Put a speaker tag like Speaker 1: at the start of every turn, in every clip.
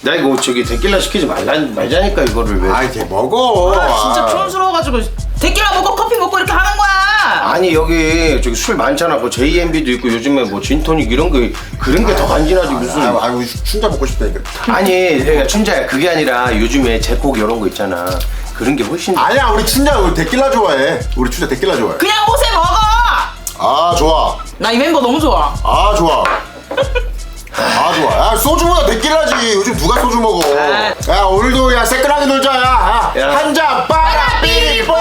Speaker 1: 나 이거 저기 데킬라 시키지 말자니까 이거를 왜?
Speaker 2: 아이 걔 먹어.
Speaker 3: 진짜 촌스러워가지고 데킬라 먹고 커피 먹고 이렇게 하는 거야.
Speaker 1: 아니 여기 저기 술 많잖아. 뭐 JMB도 있고 요즘에 뭐 진토닉 이런 거 그런 게 더 간지나지 무슨?
Speaker 2: 아이고 춘자 먹고 싶다니까.
Speaker 1: 아니 그러니까 춘자야 그게 아니라 요즘에 제콕 이런 거 있잖아. 그런 게 훨씬.
Speaker 2: 아니야 우리 춘자 우리 데킬라 좋아해. 우리 춘자 데킬라 좋아해.
Speaker 3: 그냥 옷에 먹어.
Speaker 2: 아 좋아.
Speaker 3: 나 이 멤버 너무 좋아.
Speaker 2: 아 좋아. 아 좋아. 야 소주보다 데킬라지. 요즘 누가 소주 먹어?
Speaker 3: 아.
Speaker 2: 야 오늘도 야 새끈하게 놀자. 야.
Speaker 1: 야.
Speaker 2: 한 잔 빠라삐뽀.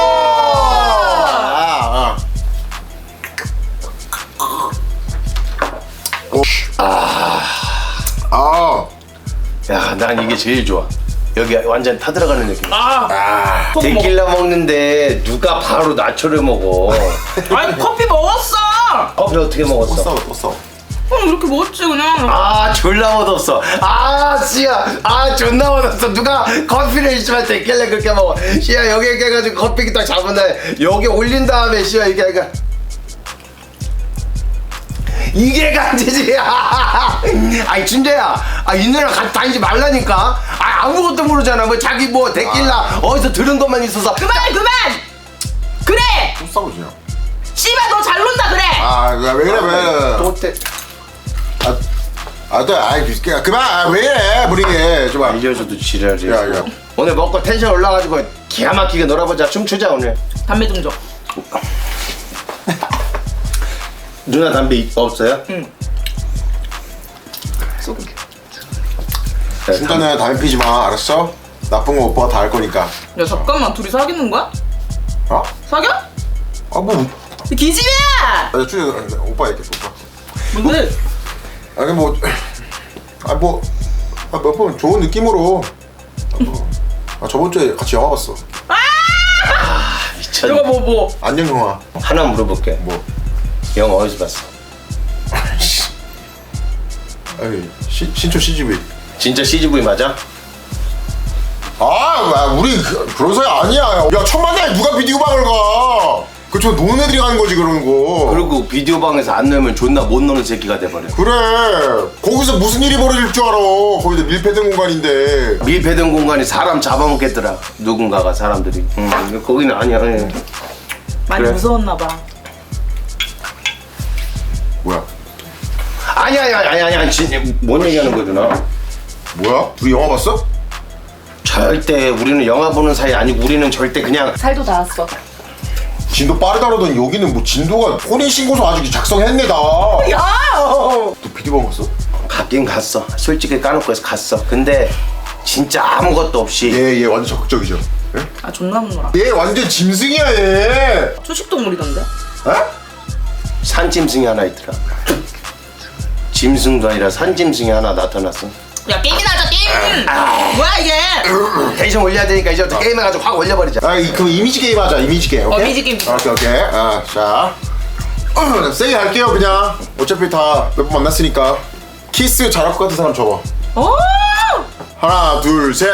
Speaker 2: 아.
Speaker 1: 야, 난 이게 제일 좋아. 여기 완전 타들어가는 느낌.
Speaker 3: 아.
Speaker 1: 데킬라 먹는데 누가 바로 나초를 먹어?
Speaker 3: 아니 커피 먹었어.
Speaker 1: 커피를 어떻게
Speaker 2: 또
Speaker 1: 먹었어?
Speaker 2: 싸워 또 싸워.
Speaker 3: 그럼 이렇게 먹었지 그냥.
Speaker 1: 아 졸라 맛없어. 아 씨야. 아 존나 맛없어. 누가 커피를 있으면 데킬라 그렇게 먹어. 씨야 여기 이렇게 해가지고 커피 딱 잡은 다음에 여기 올린 다음에 씨야 이게 이게 간지지. 아니 준재야. 아 이 누나랑 같이 다니지 말라니까. 아 아무것도 모르잖아. 뭐 자기 뭐 데킬라 어디서 들은 것만 있어서.
Speaker 3: 그만. 그래.
Speaker 2: 또 싸우지.
Speaker 3: 씨발 너 잘 논다 그래.
Speaker 2: 아왜 그래 왜?
Speaker 1: 또 때.
Speaker 2: 또 아이 그만. 아, 왜 이래 분위기 좀.
Speaker 1: 알려줘도 지랄이.
Speaker 2: 야.
Speaker 1: 오늘 먹고 텐션 올라가지고 기가 막히게 놀아보자. 춤추자 오늘.
Speaker 3: 담배 좀 줘.
Speaker 1: 누나 담배 없어요?
Speaker 3: 응. 쏘게.
Speaker 2: 춘자는 담배 피지 마. 알았어? 나쁜 거 오빠가 다 할 거니까.
Speaker 3: 야 잠깐만 둘이 사귀는 거야?
Speaker 2: 어?
Speaker 3: 사겨?
Speaker 2: 아 뭐?
Speaker 3: 기집애야.
Speaker 2: 아 춘자 오빠 얘기해 오빠.
Speaker 3: 뭔데?
Speaker 2: 아니 뭐. 몇 번 좋은 느낌으로. 저번 주에 같이 영화 봤어.
Speaker 1: 미쳤네.
Speaker 3: 내가 뭐
Speaker 2: 안녕 영화.
Speaker 1: 하나 물어볼게.
Speaker 2: 뭐?
Speaker 1: 영화 어디서 봤어?
Speaker 2: 아니 신촌 CGV.
Speaker 1: 진짜 CGV 맞아?
Speaker 2: 우리 그런 사이 아니야. 야 천만에 누가 비디오 방을 가? 저 노는 애들이 가는 거지 그러는 거.
Speaker 1: 그리고 비디오 방에서 안 놀면 존나 못 노는 새끼가 돼버려.
Speaker 2: 그래. 거기서 무슨 일이 벌어질 줄 알아. 거기서 밀폐된 공간인데.
Speaker 1: 밀폐된 공간이 사람 잡아먹겠더라. 누군가가 사람들이. 거기는 아니야.
Speaker 3: 많이
Speaker 1: 그래.
Speaker 3: 무서웠나 봐.
Speaker 2: 뭐야?
Speaker 1: 아니야. 진짜 뭔 얘기하는 거야 누나?
Speaker 2: 뭐야? 둘이 영화 봤어?
Speaker 1: 절대 우리는 영화 보는 사이 아니고 우리는 절대 그냥
Speaker 3: 살도 닿았어.
Speaker 2: 진도 빠르다 그러더니 여기는 뭐 진도가 혼인신고서 아직 작성했네 다.
Speaker 3: 야!
Speaker 2: 너 비디오 방 갔어?
Speaker 1: 갔긴 갔어. 솔직히 까놓고 해서 갔어. 근데 진짜 아무것도 없이
Speaker 2: 얘 완전 적극적이죠. 예?
Speaker 3: 아 존나 무너라.
Speaker 2: 얘 완전 짐승이야 얘.
Speaker 3: 초식동물이던데?
Speaker 2: 에?
Speaker 1: 산짐승이 하나 있더라. 짐승도 아니라 산짐승이 하나 나타났어.
Speaker 3: 야 게임이나 하자 게임. 뭐야 이게?
Speaker 1: 텐션 올려야 되니까 이제부터 게임해가지고 확 올려버리자.
Speaker 2: 그럼 이미지 게임 하자. 이미지 게임. 오케이?
Speaker 3: 이미지 게임.
Speaker 2: 오케이. 자. 세게 할게요 그냥. 어차피 다 몇 번 만났으니까. 키스 잘할 것 같은 사람 접어.
Speaker 3: 오!
Speaker 2: 하나 둘 셋.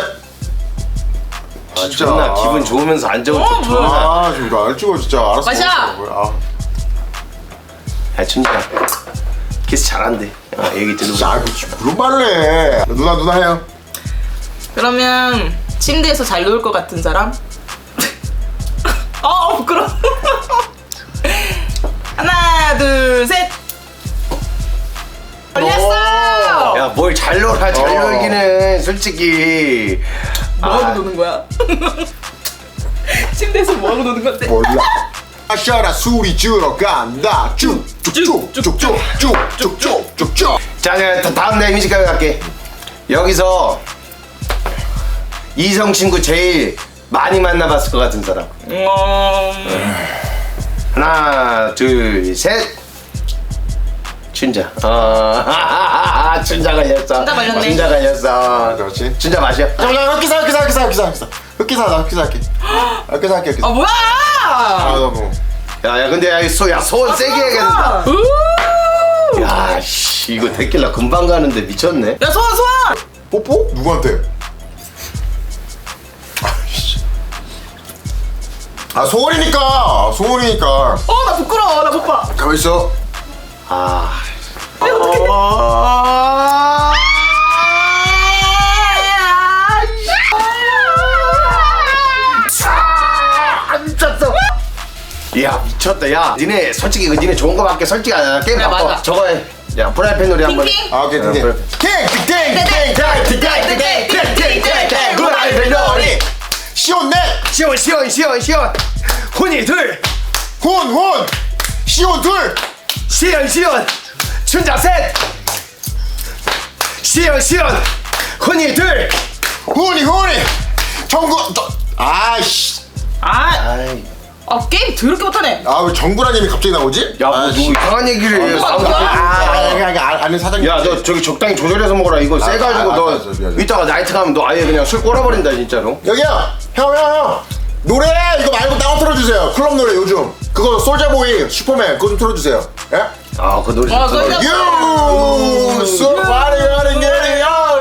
Speaker 1: 존나 기분 좋으면서 안 좋은 척 좋아.
Speaker 2: 지금 이거 알 찍어 진짜 알았어.
Speaker 3: 마셔.
Speaker 1: 야 춘지야 키스 잘한대. 얘기 들어보자.
Speaker 2: 진짜 그런 말을 해. 누나 해요.
Speaker 3: 그러면 침대에서 잘 누울 것 같은 사람? 부끄러워. 하나 둘 셋. 걸렸어.
Speaker 1: 야 뭘 잘 놀아. 잘 놀기는 솔직히
Speaker 3: 뭐하고 노는 거야? 침대에서 뭐하고 노는 건데?
Speaker 2: 몰라. 마셔라 술이 들어간다. 쭉쭉쭉쭉쭉쭉쭉쭉쭉.
Speaker 1: 자 내가 다음 내 이미지 가게 갈게. 여기서 이성 친구 제일 많이 만나봤을 것 같은 사람. 하나 둘 셋. 춘자. 춘자 걸렸어.
Speaker 3: 춘자 걸렸네.
Speaker 1: 춘자 걸렸어.
Speaker 2: 그렇지.
Speaker 1: 춘자 마셔.
Speaker 2: 잠깐만 흑기사 할게.
Speaker 3: 아 뭐야?
Speaker 2: 너무.
Speaker 1: 야 근데 야 소원 세게 해야겠다.
Speaker 3: 우!
Speaker 1: 야 씨 이거 데킬라 금방 가는데 미쳤네.
Speaker 3: 야 소원.
Speaker 2: 뽀뽀? 누구한테? 소원이니까.
Speaker 3: 나 부끄러워. 나 못 봐.
Speaker 2: 가만 있어.
Speaker 1: 아. 미쳤다. 야 니네 솔직히 니네 좋은 거밖에 솔직히 안 하나. 게임
Speaker 3: 그래,
Speaker 1: 바꿔.
Speaker 3: 맞아.
Speaker 1: 저거 해. 야 프라이팬 놀이 한번.
Speaker 3: 핑핑?
Speaker 2: 아 오케이 띵띵
Speaker 1: 프라이팬 놀이.
Speaker 2: 시온넷
Speaker 1: 시원. 훈이 둘.
Speaker 2: 훈 시온 둘
Speaker 1: 시원. 춘자 셋. 시원. 훈이 둘.
Speaker 2: 훈이 정구 아이씨
Speaker 1: 아이.
Speaker 3: 게임 더럽게 못하네.
Speaker 2: 아 왜 정구라님이 갑자기 나오지?
Speaker 1: 야, 뭐 누구 이상한 얘기를 해.
Speaker 2: 아는 사장님
Speaker 1: 야, 너 저기 적당히 조절해서 먹어라. 이거 세가지고 너
Speaker 2: 알았어, 미안해.
Speaker 1: 이따가 나이트 가면 너 아예 그냥 술 꼬라버린다 진짜로.
Speaker 2: 여기요 형 노래 이거 말고 따로 틀어주세요. 클럽 노래 요즘 그거 솔자보이 슈퍼맨 그거 좀 틀어주세요. 예?
Speaker 1: 아, 그 노래.
Speaker 3: 아,
Speaker 1: 좋다.
Speaker 3: 그거
Speaker 2: You so body running getting out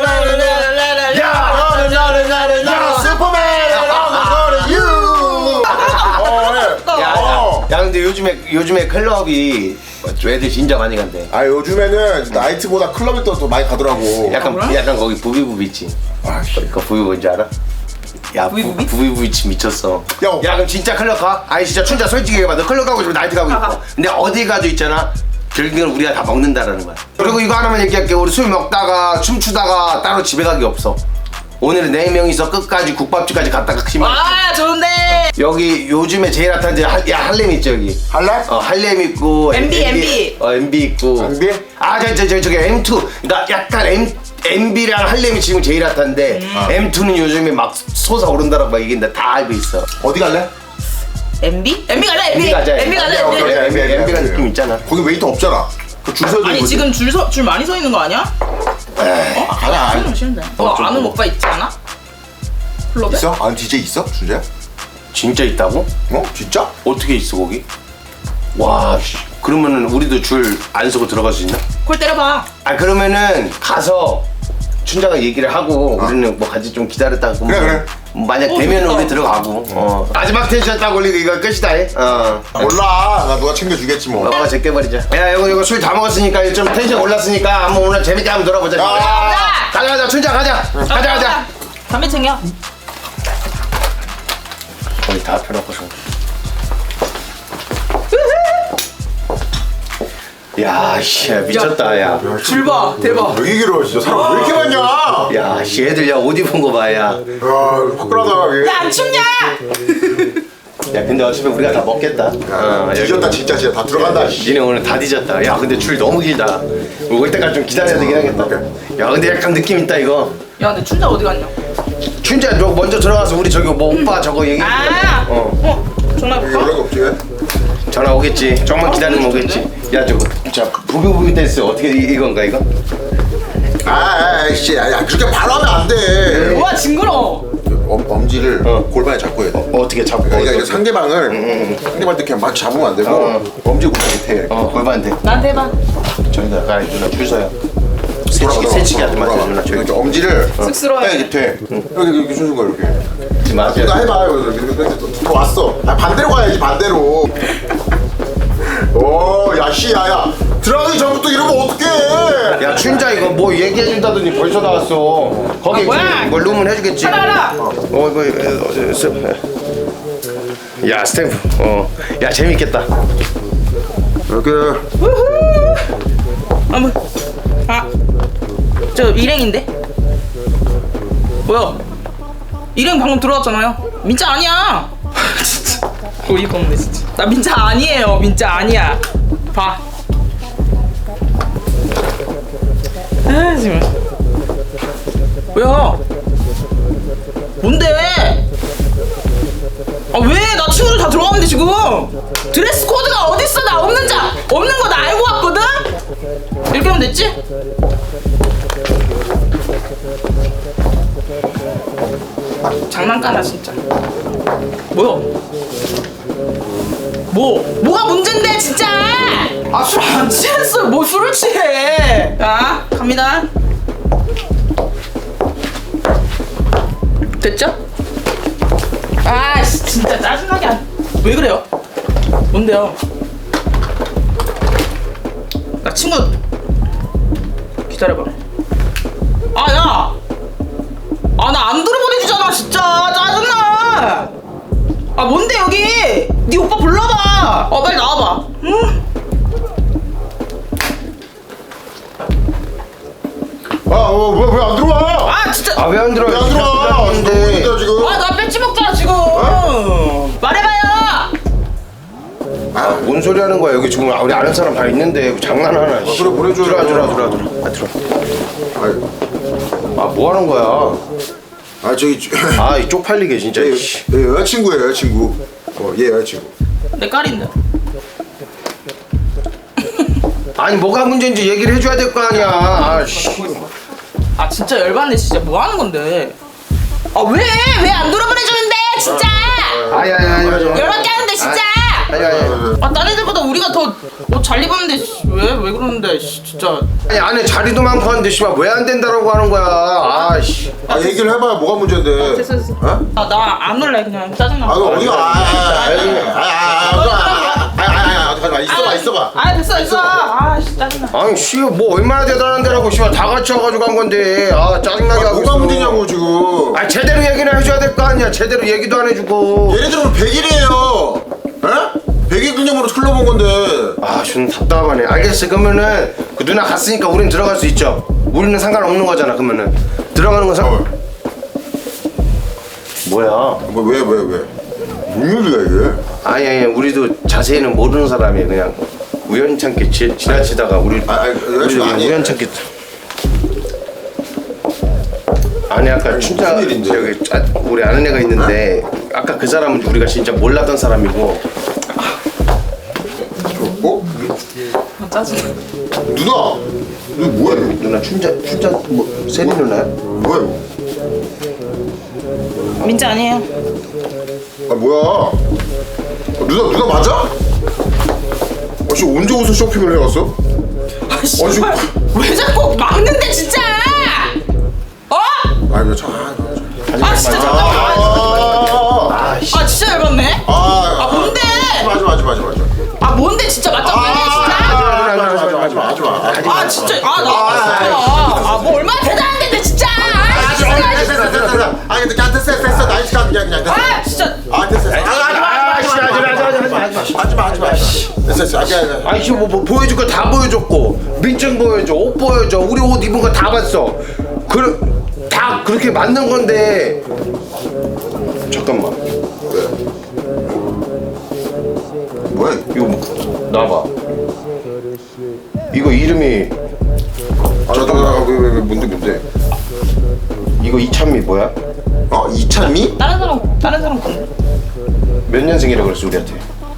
Speaker 2: 야 슈퍼맨
Speaker 1: 야, 근데 요즘에 클럽이 애들 진짜 많이 간대.
Speaker 2: 아 요즘에는 나이트보다 클럽이 더 많이 가더라고.
Speaker 1: 약간 거기 부비부비 있지. 그 부비 뭔지 알아? 야,
Speaker 3: 부비부비?
Speaker 1: 부비부비 미쳤어.
Speaker 2: 야,
Speaker 1: 그럼 진짜 클럽 가? 아니 진짜 춘자 솔직히 얘기해봐. 너 클럽 가고 싶어? 나이트 가고 싶어? 근데 어디 가도 있잖아. 결국에는 우리가 다 먹는다라는 거야. 그리고 이거 하나만 얘기할게. 우리 술 먹다가 춤추다가 따로 집에 가기 없어. 오늘은 4명이서 끝까지 국밥집까지 갔다가 치면
Speaker 3: 좋은데.
Speaker 1: 여기 요즘에 제일 핫한 데 할렘 있죠 여기.
Speaker 2: 할래?
Speaker 1: 할렘 있고
Speaker 3: MB.
Speaker 1: MB 있고
Speaker 2: MB?
Speaker 1: 저기 M2. 그러니까 약간 MB랑 할렘이 지금 제일 핫한데 M2는 요즘에 막 솟아오른다라고 막 얘기인데 다 알고 있어.
Speaker 2: 어디 갈래?
Speaker 3: MB? MB 가자.
Speaker 1: MB 가자.
Speaker 3: MB 가자.
Speaker 2: 오케이, 오케이.
Speaker 1: MB가 느낌 있잖아.
Speaker 2: 거기 웨이터 없잖아. 그줄 서야
Speaker 3: 아니 지금 줄 많이 서 있는 거 아니야?
Speaker 2: 가자.
Speaker 3: 좀 쉬운데.
Speaker 1: 좀
Speaker 3: 아는
Speaker 1: 뭐.
Speaker 3: 오빠 있지 않아? 클럽에?
Speaker 2: 있어? 아는 DJ 있어? 준재야?
Speaker 1: 진짜 있다고?
Speaker 2: 어? 진짜?
Speaker 1: 어떻게 있어 거기? 와, 그러면은 우리도 줄 안 서고 들어갈 수 있나?
Speaker 3: 콜 때려봐.
Speaker 1: 그러면은 가서 춘자가 얘기를 하고 우리는 뭐 같이 좀 기다렸다가
Speaker 2: 그래.
Speaker 1: 만약
Speaker 3: 어,
Speaker 1: 되면
Speaker 3: 좋다.
Speaker 1: 우리 들어가고 마지막 텐션 딱 올리고 이거 끝이다 해.
Speaker 2: 몰라. 나 누가 챙겨주겠지 뭐.
Speaker 1: 너가 제껴버리자. 야 이거 술 다 먹었으니까 좀 텐션 올랐으니까 한번 오늘 재밌게 한번 놀아보자. 가자 춘자 가자.
Speaker 3: 담배 챙겨.
Speaker 1: 거의 다 펴놓고서. 야, 씨, 미쳤다, 야.
Speaker 3: 줄 봐. 대박.
Speaker 2: 왜 이기려 진짜 사람 왜 이렇게 많냐?
Speaker 1: 야, 씨, 애들 야, 옷 입은 거 봐, 야.
Speaker 2: 야 화끈하다.
Speaker 3: 야 안 춥냐?
Speaker 1: 야, 근데 어차피 우리가 다 먹겠다.
Speaker 2: 뒤졌다 진짜 다 들어간다.
Speaker 1: 니네 오늘 다 뒤졌다. 야, 근데 줄 너무 길다. 올 때까지 좀 기다려야 되긴 하겠다. 야, 근데 약간 느낌 있다, 이거.
Speaker 3: 야 근데 춘자 어디 갔냐?
Speaker 1: 춘자, 너 먼저 들어가서 우리 저기 뭐 오빠 저거 얘기.
Speaker 3: 전화 볼까?
Speaker 2: 연락 없지 왜?
Speaker 1: 전화 오겠지. 조금만 기다리면 오겠지. 야, 저거. 자, 부비부비 댄스 어떻게 이건가, 이거?
Speaker 2: 아이씨 야 그렇게 바로 하면 안 돼.
Speaker 3: 와 징그러.
Speaker 2: 엄지를 골반에 잡고 해야 돼.
Speaker 1: 어떻게 잡고.
Speaker 2: 그러니까
Speaker 1: 어떻게.
Speaker 2: 상대방을 상대방한테 그냥 막 잡으면 안 되고 엄지 골반에 대.
Speaker 1: 골반대.
Speaker 3: 나한테 해봐.
Speaker 1: 저기다 가, 누나 줄 서요. 새치기 하지 마세요, 누나. 저기.
Speaker 2: 이렇게 엄지를
Speaker 3: 쑥스러워해.
Speaker 2: 딱 이렇게 돼. 이렇게 주는 거야 이렇게.
Speaker 1: 맞아.
Speaker 2: 나 해봐. 이렇게 또 왔어. 반대로 가야지 반대로. 오, 야, 씨, 야. 들어가기 전부터 이러면 어떡해.
Speaker 1: 야, 춘자 이거 뭐 얘기해준다더니 벌써 나왔어. 거기
Speaker 3: 뭐야?
Speaker 1: 이거 룸은 해주겠지.
Speaker 3: 찾아라.
Speaker 1: 야, 스탬프. 야, 재밌겠다.
Speaker 2: 이렇게.
Speaker 3: 저 일행인데? 뭐야? 일행 방금 들어왔잖아요. 민자 아니야. 진짜 어이가 없네 진짜. 나 민자 아니에요. 민자 아니야. 봐. 지금. 뭐야? 뭔데? 왜? 나 친구들 다 들어갔는데 지금. 드레스 코드가 어딨어? 나 없는 거 나 알고 왔거든? 이렇게 하면 됐지? 장난까나 진짜. 뭐야? 뭐가 문제인데 진짜? 술 안 취했어. 뭐 술을 취해? 자 갑니다. 됐죠? 진짜 짜증나게 왜 그래요? 뭔데요? 나 친구 기다려봐. 야! 나 안 들어보내주잖아 진짜 짜증나. 뭔데 여기? 네 오빠 불러봐. 빨리 나와봐. 응?
Speaker 2: 왜 안 들어와?
Speaker 3: 아 진짜.
Speaker 1: 아 왜 안 들어?
Speaker 2: 왜 안 들어와?
Speaker 1: 근데
Speaker 2: 지금 지금.
Speaker 3: 나 뺏지 먹잖아 지금. 말해봐요.
Speaker 1: 뭔 소리 하는 거야? 여기 지금 우리 아는 사람 다 있는데 장난하나? 씨.
Speaker 2: 그래, 보내줘.
Speaker 1: 들어. 들어.
Speaker 2: 아이,
Speaker 1: 뭐 하는 거야?
Speaker 2: 저기
Speaker 1: 이 쪽팔리게 진짜. 씨.
Speaker 2: 얘 여자친구예요, 여자친구. 얘 여자친구.
Speaker 3: 내 깔인데.
Speaker 1: 아니 뭐가 문제인지 얘기를 해줘야 될 거 아니야. 씨.
Speaker 3: 진짜 열받네 진짜. 뭐 하는 건데? 왜 안 돌아보내주는데 진짜.
Speaker 1: 아니.
Speaker 3: 열받게 하는데 진짜.
Speaker 1: 아니.
Speaker 3: 딴 애들보다 우리가 더 옷 잘 입었는데 왜 그러는데 진짜.
Speaker 1: 아니 안에 자리도 많고 하는데 씨발 왜 안 된다라고 하는 거야. 씨.
Speaker 2: 얘기를 해봐야 뭐가 문제인데.
Speaker 3: 됐어.
Speaker 2: 어?
Speaker 3: 나 안 올래 그냥 짜증나.
Speaker 2: 너 어디가? 있어봐.
Speaker 3: 됐어. 짜증나.
Speaker 1: 아니 씨 뭐 얼마나 대단한 데라고 씨발 다 같이 와가지고 한 건데 짜증나게 하고
Speaker 2: 뭐가
Speaker 1: 있어.
Speaker 2: 문제냐고 지금.
Speaker 1: 제대로 얘기는 해줘야 될 거 아니야. 제대로 얘기도 안 해주고.
Speaker 2: 얘네들은 100일이에요. 에? 100일 기념으로 흘러본 건데.
Speaker 1: 좀 답답하네. 알겠어. 그러면은 그 누나 갔으니까 우린 들어갈 수 있죠. 우리는 상관없는 거잖아. 그러면은 들어가는 건 뭐야?
Speaker 2: 왜? 뭔 일이야 이게?
Speaker 1: 아니 우리도 자세히는 모르는 사람이에요. 그냥 우연찮게 지나치다가 우리
Speaker 2: 여자친구 아니에요?
Speaker 1: 우연찮게. 아니 아까 진짜
Speaker 2: 무슨 일인데?
Speaker 1: 저기 우리 아는 애가 있는데 아까 그 사람은 우리가 진짜 몰랐던 사람이고.
Speaker 3: 짜증나.
Speaker 2: 누나! 너 뭐야 이거?
Speaker 1: 누나 춘자 뭐 세리 누나야?
Speaker 2: 뭐야 이거?
Speaker 3: 민지 아니에요.
Speaker 2: 뭐야? 누나 맞아? 씨 언제 옷을 쇼핑을 해왔어?
Speaker 3: 씨발 왜 자꾸 막는데 진짜.
Speaker 2: 아니 왜 참.
Speaker 3: 진짜 잠깐만. 진짜 열받네. 뭔데?
Speaker 2: 맞아.
Speaker 3: 뭔데 진짜 맞짱 빼네 진짜.
Speaker 2: 하지마.
Speaker 3: 진짜 뭐 얼마나 대단한 데인데 진짜.
Speaker 2: 됐어. 나이스 가 그냥 됐어.
Speaker 3: 진짜.
Speaker 2: 됐어. 하지마. 됐어.
Speaker 1: 아니 지금 뭐 보여줄 거 다 보여줬고 민증 보여줘, 옷 보여줘, 우리 옷 입은 거 다 봤어. 다 그렇게 맞는 건데. 잠깐만.
Speaker 2: 뭐야?
Speaker 1: 이거 뭐 나봐. 이거 이름이
Speaker 2: 왜 뭔데?
Speaker 1: 이거 이찬미 뭐야?
Speaker 2: 이찬미?
Speaker 3: 다른 사람 건데.
Speaker 1: 몇 년생이라 그랬어 우리한테?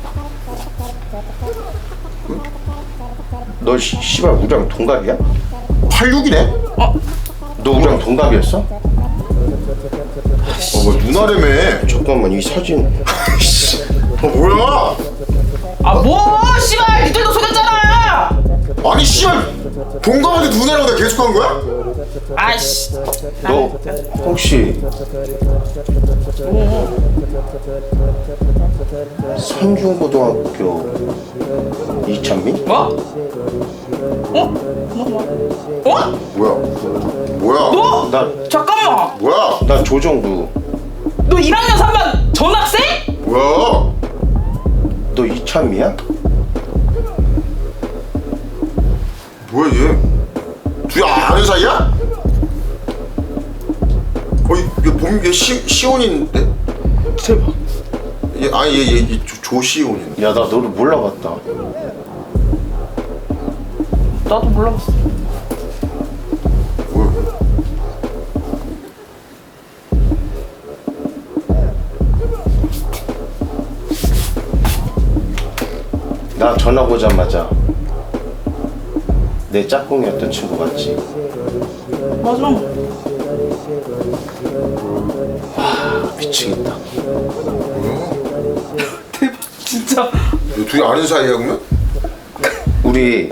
Speaker 1: 너 씨발 우리랑 동갑이야?
Speaker 2: 86이네?
Speaker 1: 너 우리랑 동갑이었어?
Speaker 2: 뭐 누나라며.
Speaker 1: 잠깐만 이 사진.
Speaker 2: 뭐야?
Speaker 3: 뭐 씨발 니들도 속였잖아.
Speaker 2: 아니 씨발 동갑한테 누나라고 내가 계속 한 거야?
Speaker 1: 너 혹시 선중고등학교 이찬미?
Speaker 3: 뭐?
Speaker 2: 뭐야?
Speaker 3: 너?
Speaker 1: 나
Speaker 3: 잠깐만.
Speaker 2: 뭐야?
Speaker 1: 나 조정구.
Speaker 3: 너 1학년 3반 전학생?
Speaker 2: 뭐야?
Speaker 1: 너 이찬미야?
Speaker 2: 뭐야 얘? 둘이 아는 사이야? 얘 시온인데?
Speaker 1: 대박.
Speaker 2: 얘 조시온이네.
Speaker 1: 야 나 너를 몰라봤다.
Speaker 3: 나도 몰라봤어.
Speaker 2: 뭐야?
Speaker 1: 나 전화 오자마자 내 짝꿍이었던 친구 맞지?
Speaker 3: 맞아.
Speaker 1: 미치겠다.
Speaker 3: 대박 진짜.
Speaker 2: 둘이 아는 사이야 그러면?
Speaker 1: 우리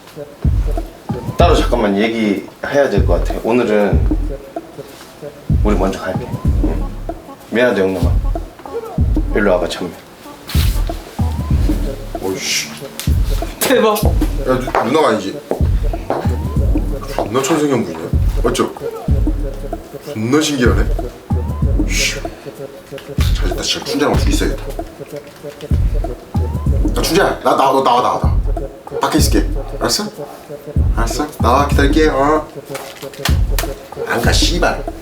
Speaker 1: 따로 잠깐만 얘기해야 될 것 같아. 오늘은 우리 먼저 갈게. 응. 미안하다 영남아. 일로 와봐 참미.
Speaker 2: 어이씨.
Speaker 3: 대박.
Speaker 2: 야 누나가 아니지? 존나 천생연분이야. 맞죠? 존나 신기하네. 씨. 잘됐다. 진짜 춘자랑 둘이 있어야겠다. 민지야 나와 밖에 있을게. 알았어 나와 기다릴게.
Speaker 1: 안 가 씨발.